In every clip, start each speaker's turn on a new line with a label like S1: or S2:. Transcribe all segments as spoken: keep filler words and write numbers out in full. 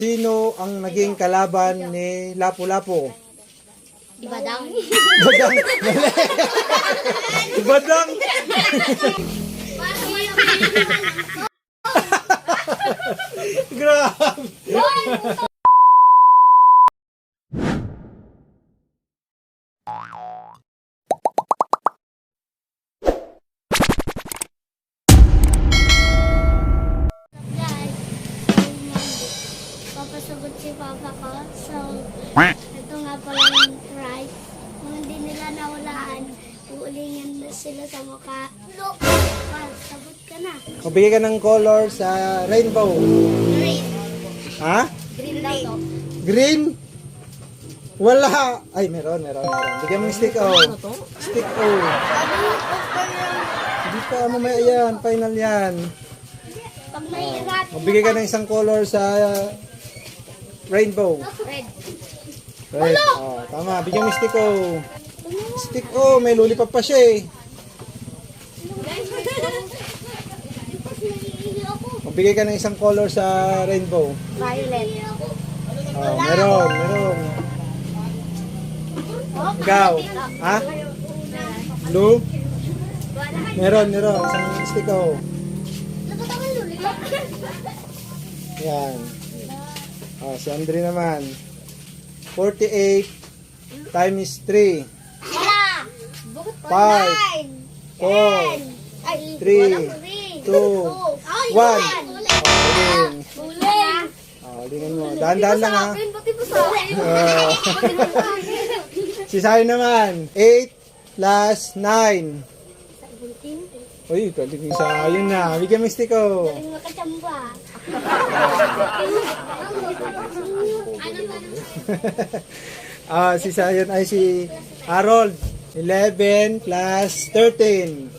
S1: Sino ang naging kalaban ni Lapu-Lapu?
S2: Ibadang.
S1: Badang. Badang. Grabe.
S2: Guys, papasagot si Papa ko. So, ito nga pala yung prize. Kung hindi nila nawalaan, uulingan na sila sa mukha. Look! Sagot ka na.
S1: Magbigay ka ng color sa rainbow.
S2: Green.
S1: Ha?
S2: Green daw to.
S1: Green? Wala. Ay, meron, meron, meron. Bigyan mo yung stick O. Stick O. Hindi pa, mamaya yan. Final yan.
S2: Pag may rat,
S1: Magbigay ka ng isang color sa rainbow.
S2: red.
S1: Red. Oh, tama. Bigyan mo yung stick O. Stick O. May lollipop pa siya eh. Magbigay ka ng isang color sa rainbow.
S2: Violet.
S1: Oh, meron, meron. Ikaw. Ha? Blue? Meron, meron. Isang stick O. Yan. Oh, si Andre naman. forty-eight times three. five, four, three, two, one. Oh, uling. Oh, ulingin mo. Dahan-dahan lang ha. Oh. Si Sayo naman. eight plus nine. Uy, galing yung Sayo na. Bigyan mo yung stick O. Ah, si Sayon ay si Harold. eleven plus thirteen.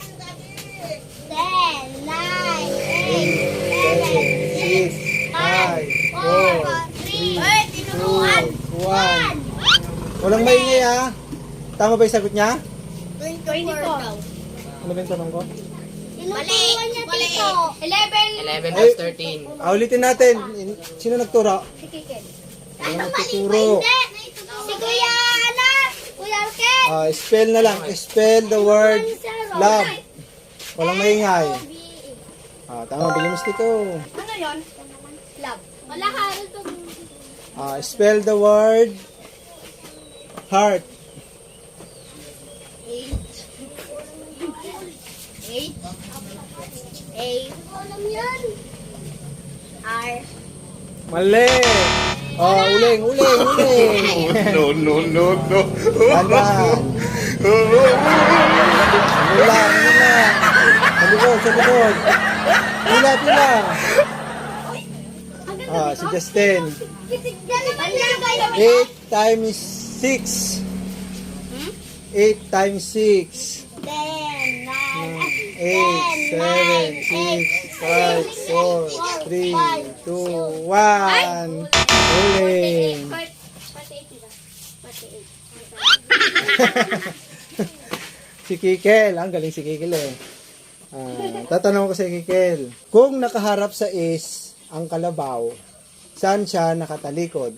S2: ten, nine,
S1: eight, seven, six, five, four, three, two, one. Walang maingay ha. Tama ba yung sagot niya?
S2: twenty-four daw.
S1: Ano ba yung tanong ko?
S2: Mali! Mali! eleven!
S3: eleven
S1: Ay.
S3: plus thirteen.
S1: Ah, ulitin natin. Sino nagturo?
S2: Si Kikin.
S1: Ano nagtuturo?
S2: Si Kuya, ano? Kuya Arken!
S1: Ah, spell na lang. Spell the word love. Walang maingay. Ah, tama. Bigyan mo stick O.
S2: Ano yun? Love. Wala ka, ano to?
S1: Ah, spell the word heart.
S2: Eight. Eight. Eight. Alam yan. R.
S1: Mali. Oh, uling, uling, uling.
S4: No, no, no, no.
S1: Dahan. Mula, mula. Sa likod, sa likod. Pila, pila. Ah, si Justin. eight times six. eight times six.
S2: Ten. Nine.
S1: eight, seven, six, five, four, three, two, one. Uling. Si Kikel. Ang galing si Kikel eh. Ah, tatanong ko si Kikel. Kung nakaharap sa is ang kalabaw, saan siya nakatalikod?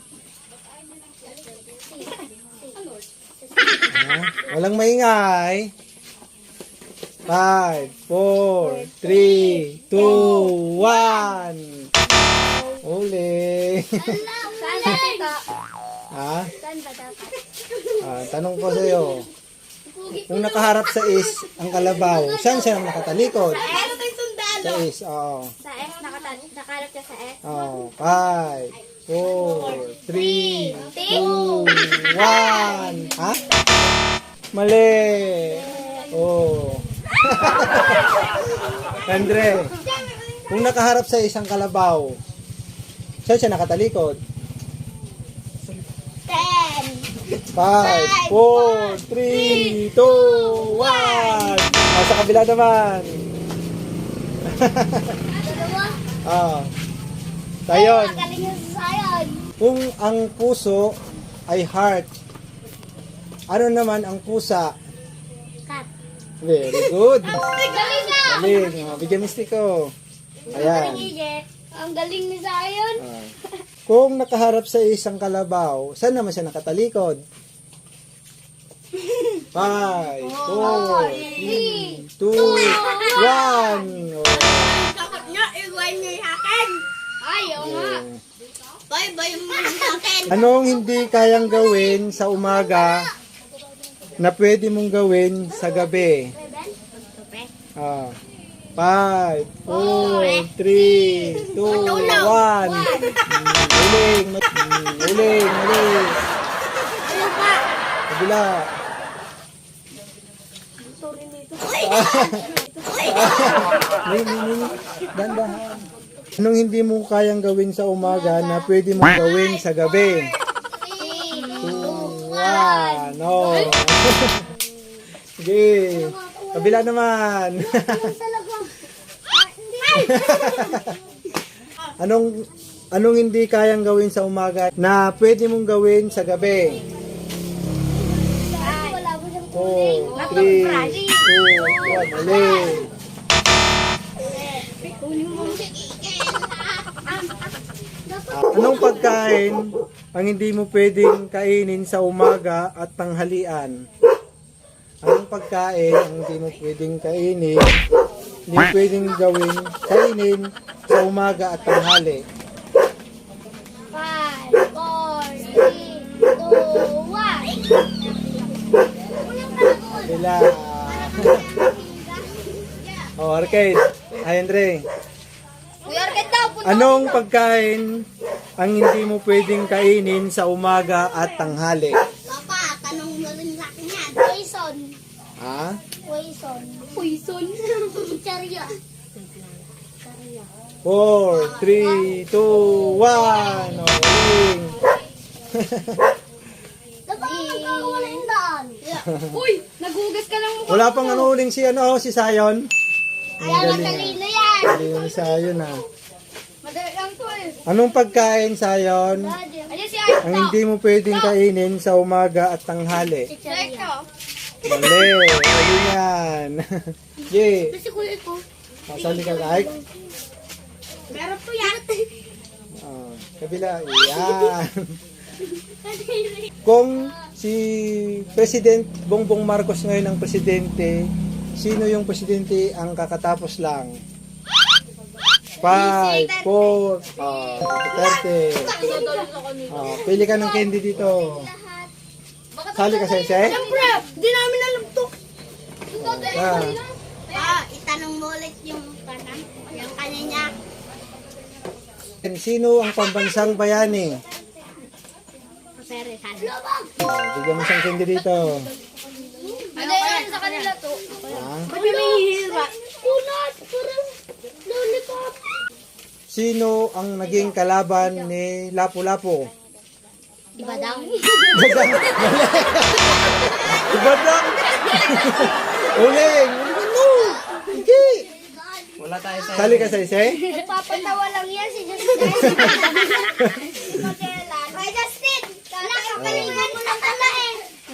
S1: Ah, walang maingay. five, four, three, two, one. Uli.
S2: Saan ba ito?
S1: Ha?
S2: Saan ba dapat?
S1: Ah, tanong ko sa iyo. Kung nakaharap sa is ang kalabaw, saan siya nakatalikod?
S2: Ano ba yung sundalo?
S1: Sa is, oo.
S2: Sa S, nakatan- nakalap ka sa S.
S1: Oh, five, four, three, two, one. Ha? Mali. Oh. Andre, kung nakaharap sa isang kalabaw, saan siya nakatalikod?
S2: Ten.
S1: five, four, three, two, one. Oh, sa kabila naman.
S2: Dalawa.
S1: Ah. Tayon.
S2: Magaling yung sayon.
S1: Kung ang puso ay heart, ano naman ang pusa?
S2: Cut.
S1: Very good.
S2: Galing na!
S1: Galing. Oh, bigyan mo stick ko. Ayan.
S2: Ang galing ni Zion.
S1: Ah. Kung nakaharap sa isang kalabaw, saan naman siya nakatalikod? Five, four, three, two, one.
S2: Dapat nga, iwan niyo yung akin. Ay, oo nga. Bye, bye mo sa akin.
S1: Anong hindi kayang gawin sa umaga na pwede mong gawin sa gabi? Ah. Five, four, three, two, one. Uling, uling, uling. Kabila. May, may, may. Dandahan. Anong hindi mo kayang gawin sa umaga na pwede mong gawin sa gabi? Two, one. No. Sige. Kabila naman. anong anong hindi kayang gawin sa umaga na pwede mong gawin sa gabi? Four, three, two, one. Ulit. Anong pagkain ang hindi mo pwedeng kainin sa umaga at tanghalian? Anong pagkain ang hindi mo pwedeng kainin, hindi pwedeng gawin, kainin sa umaga at tanghali?
S2: Five, four, three, two, one.
S1: Bila. Oh, arcade. Ay, Andre.
S2: Kuya Arket daw, punta.
S1: Anong pagkain ang hindi mo pwedeng kainin sa umaga at tanghali?
S2: Papa, tanong mo rin sa akin yan. Poison.
S1: Ha?
S2: Poison. Poison? Charya.
S1: Four, three, two, one. Oh, uling.
S2: Dapat magkakawala yung daan. Uy, nagugas ka lang mukha.
S1: Wala pang ano uling si ano, si Sayon.
S2: Kaya matalino yan.
S1: Hindi ni Sayon ha.
S2: Madali lang to eh.
S1: Anong pagkain, Sayon,
S2: Ayun si Art
S1: ang hindi mo pwedeng kainin sa umaga at tanghali?
S2: Charya.
S1: Mali, mali yan. Ye,
S2: Kasi kuya ko.
S1: masali ka kahit.
S2: Meron po yan.
S1: Oh, kabila, yan. Kung si President Bongbong Marcos ngayon ang presidente, sino yung presidente ang kakatapos lang? Five, four, oh, thirty. Oh, pili ka ng candy dito. Sali ka sa isa eh?
S2: Siyempre, di namin alam to.
S1: Ah.
S2: Ah, itanong mo ulit yung kanan. Yung kanan niya.
S1: Sino ang pambansang bayani?
S2: Pero
S1: Oh, bigyan mo siyang candy dito.
S2: ano yan sa kanila to?
S1: Ah.
S2: Ba't may hihira? Kunat, parang lollipop.
S1: Sino ang naging kalaban ni Lapu-Lapu?
S2: Ibadang.
S1: Ibadang! Uling! Uling mo! Hindi!
S3: Wala tayo sa
S1: Sali ka sa isa eh?
S2: Nagpapatawa lang yan si Justin. Si Magellan. Ay, Justin! Nakapaligan mo ng tala eh.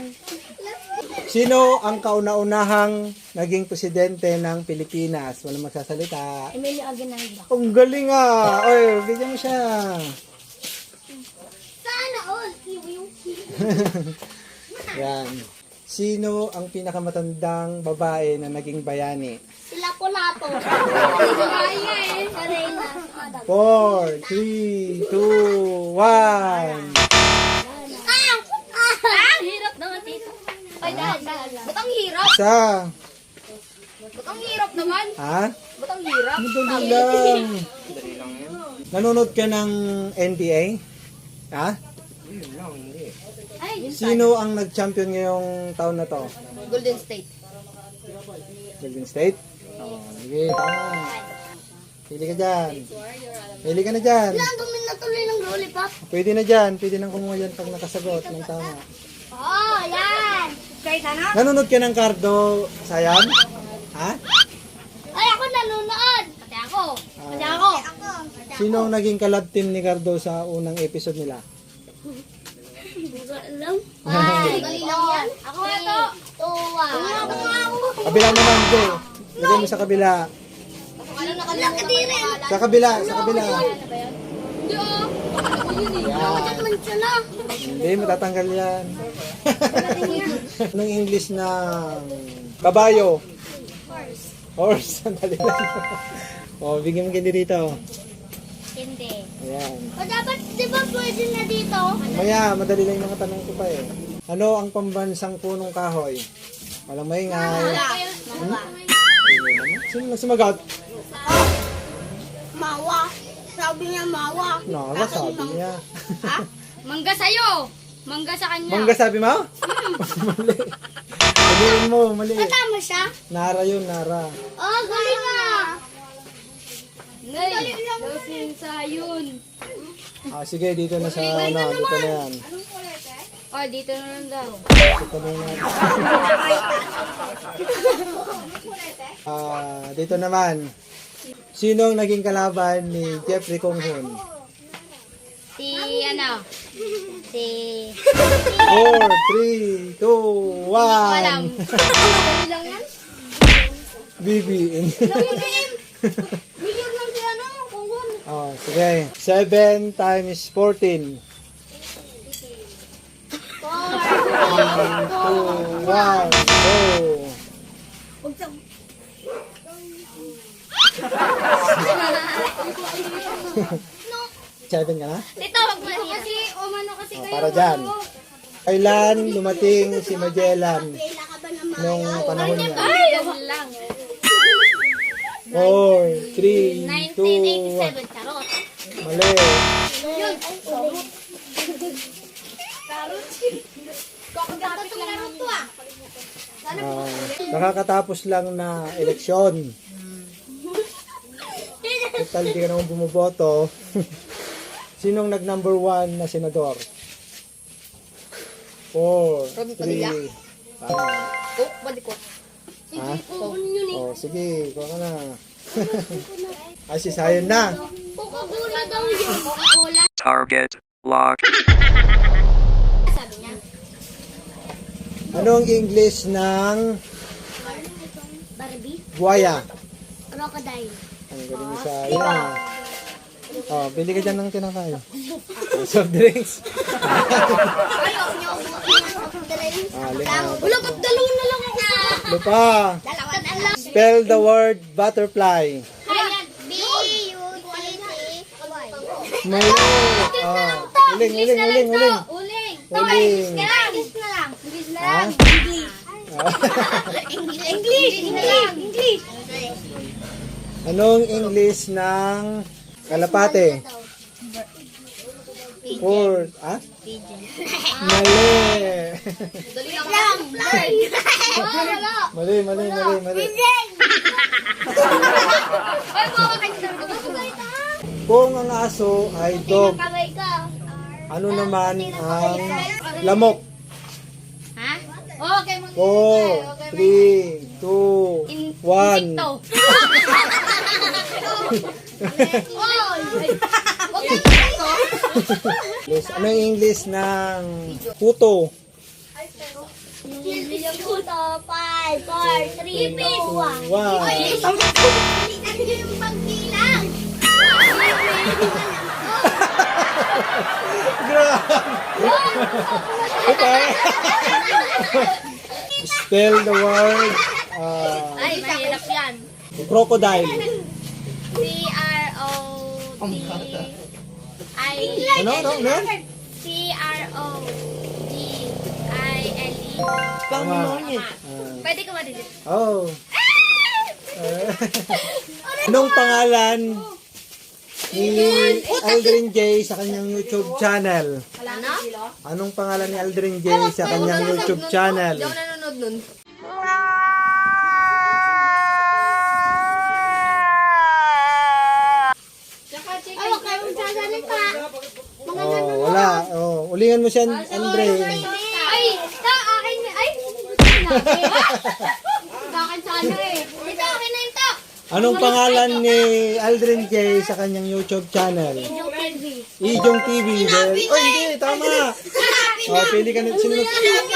S1: Sino ang kauna-unahang naging presidente ng Pilipinas? Walang magsasalita.
S2: Emilio Aguinaldo.
S1: Ang galing ah! Oy, bigyan mo siya.
S2: Sana all.
S1: Yan. Sino ang pinakamatandang babae na naging bayani?
S2: Sila po lapo. Kaya eh. Karela.
S1: Four, three, two, one.
S2: Ah! Ah! Hirap naman dito. Ay, dahil, dahil. Ba't ang hirap?
S1: Isa.
S2: Ba't ang hirap naman?
S1: Ha?
S2: Ba't ang hirap?
S1: Madali lang. Nanonood ka ng N B A? Ha?
S2: Ay,
S1: Sino ang nag-champion ngayong taon na to?
S2: Golden State.
S1: Golden State? Oo, sige, tama. Pili ka dyan. Pili ka na dyan.
S2: Ang dumi na tuloy ng lollipop.
S1: Pwede na dyan. Pwede nang kumuha dyan pag nakasagot ng tama.
S2: Oh, yan. Kahit ano?
S1: Nanonood ka ng Cardo, Sayan? Ha?
S2: Ay, ako nanonood. Pati ako. Pati ako. Ako.
S1: Sino ang naging kalab team ni Cardo sa unang episode nila?
S2: Alam? Ay, galing lang yan. Ako na to. Tuwa. Ako nga ako.
S1: Kabila naman, Joe. Lagay mo sa kabila.
S2: Ano na kadiri?
S1: Sa kabila, sa kabila.
S2: Hindi oh.
S1: Yan.
S2: Naman siya na.
S1: Hindi, matatanggal yan. Anong English na kabayo?
S2: Horse.
S1: Horse. Sandali lang. O, bigyan mo ganyan dito.
S2: Hindi.
S1: Ayan.
S2: O dapat, di ba pwede na dito?
S1: Maya, madali lang yung mga tanong ko pa eh. Ano ang pambansang punong kahoy? Walang maingay.
S2: Mawa.
S1: Sino na sumagot?
S2: Mawa. Sabi niya mawa.
S1: Naka, sabi niya.
S2: Ha? Mangga sa'yo. Mangga sa kanya.
S1: Mangga sabi mo? Mali. Maliin mo, mali.
S2: Tama siya?
S1: Nara yun, Nara.
S2: Oh, galing nga. Galing lang. Galing sa yun.
S1: Ah, sige, dito na sa, ano, dito na yan.
S2: Oh, dito na lang daw.
S1: Dito na yan. Ah, dito naman. Sino ang naging kalaban ni Jeffrey Konghun?
S2: Si ano? Si...
S1: four, three, two,
S2: Alam.
S1: one.
S2: Galing lang yan?
S1: B B.
S2: Bigyan lang si ano? Kunggun.
S1: Oh, sige. seven times fourteen.
S2: Four.
S1: two, one, go. seven ka na?
S2: Dito, wag mo kasi, umano kasi
S1: Oh, para dyan. Kailan dumating si Magellan nung panahon niya?
S2: Ay, yan lang.
S1: four, three, two,
S2: nineteen
S1: one.
S2: eighty-seven, charot.
S1: Mali.
S2: Yun. Charot. Kakapit lang naman to ah.
S1: Ah, nakakatapos lang na eleksyon. Total, di ka naman bumuboto. Sinong nag number one na senador? Four, three, tama.
S2: Oh, balik ko.
S1: Ha?
S2: Kukunin yun eh.
S1: Oh, sige, kuha ka na. Ay, si Sayon na.
S2: Coca-Cola daw yun. Coca-Cola.
S4: Target locked.
S2: Sabi niya.
S1: Anong English ng
S2: Barbie.
S1: buhaya?
S2: Crocodile.
S1: Ang galing sa yan. Oh, bili ka dyan ng tinakayo. Soft drinks.
S2: Ayaw niyo. Dalawa.
S1: Ah, lima.
S2: Wala, ba't dalawa na lang ako?
S1: Lupa.
S2: Dalawa na lang.
S1: Spell the word butterfly.
S2: Ayan. B U T T Y.
S1: Mali. Oh, uling, uling, uling, uling.
S2: Uling.
S1: Uling.
S2: English na lang. English na lang. English na
S1: Ha?
S2: lang. English. English. English. English.
S1: Anong English ng kalapate? Four. Ah? Mali.
S2: Dali lang. Wala.
S1: Mali, mali, mali, mali.
S2: Ay, makakita ka.
S1: Kung ang aso ay dog,
S2: Kamay ka.
S1: ano naman ang lamok?
S2: Ha? Okay, mag-
S1: Four, three, two, one.
S2: Insekto. Oy! Huwag kang insekto.
S1: Yes, ano yung English ng puto?
S2: Puto, five, four, three, two, one.
S1: One.
S2: Yung pagbilang.
S1: Okay. Spell the word uh,
S2: Ay, mahirap yan.
S1: crocodile.
S2: C R O D I
S1: Ano, ano, ano?
S2: C R O D I L E.
S1: Tama.
S2: Pwede ko madilit.
S1: Oh. Eh, Anong pangalan ni Aldrin J sa kanyang YouTube channel?
S2: Ano?
S1: Anong pangalan ni Aldrin J sa kanyang YouTube channel?
S3: Hindi ako nanonood nun.
S2: Ay, huwag kayong sasalita.
S1: Oh, wala. Oh, ulingan mo siya, Andre.
S2: Ay, ta, akin na. Ay, sa akin sana eh. Ito, akin na ito.
S1: Anong pangalan ni Aldrin J sa kanyang YouTube channel?
S2: Yung T V.
S1: Ijong T V. Well, oh, hindi. Tama. Oh, pili ka na. Sino?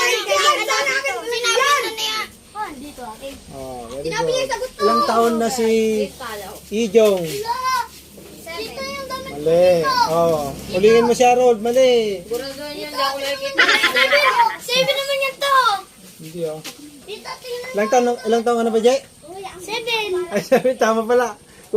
S2: Oh, dito akin.
S1: Oh, very good. Ilang taon na si Ijong?
S2: Dito yung damit.
S1: Mali. Mali. Oh. Ulihin mo siya, Rod. Mali.
S3: Siguraduhan yun, hindi ako nakikita.
S2: Seven! Seven naman yan to!
S1: Hindi oh.
S2: Dito, tingnan.
S1: Ilang taon, ilang taon ka na ba, Jay?
S2: Seven!
S1: Ay, sabi, tama pala.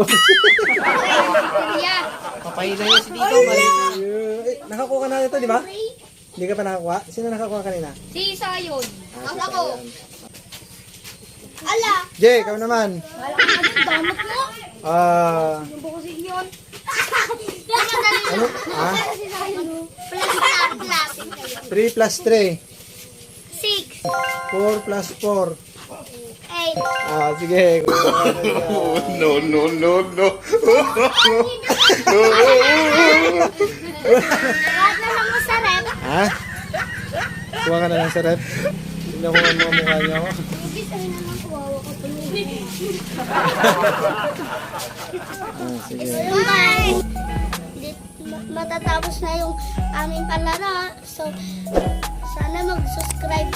S2: Yeah.
S3: Papahila niya si Dito. Mali.
S1: Eh, nakakuha ka na ito, di ba? Hindi ka pa nakakuha? Sino nakakuha kanina?
S2: Si Sayon.
S1: Ah, si
S2: Ako.
S1: Sayan.
S2: Ala!
S1: Jay, ikaw naman.
S2: Wala ka na din, damot mo.
S1: Ah,
S2: Yung buko si yun.
S1: ano? Ah,
S2: Plus na, classic kayo.
S1: three plus three.
S2: Six.
S1: four plus four.
S2: Eight.
S1: Ah, sige.
S4: No, no, no, no.
S2: Lahat na lang mo sa rep.
S1: Ha? Kuha ka na lang sa rep. Tingnan ko ang mga mukha niya ako.
S2: Hindi sabi naman kuwawa ko tuloy.
S1: Ah, sige.
S2: Bye! Di- ma- Matatapos na yung aming palaro. So, sana mag-subscribe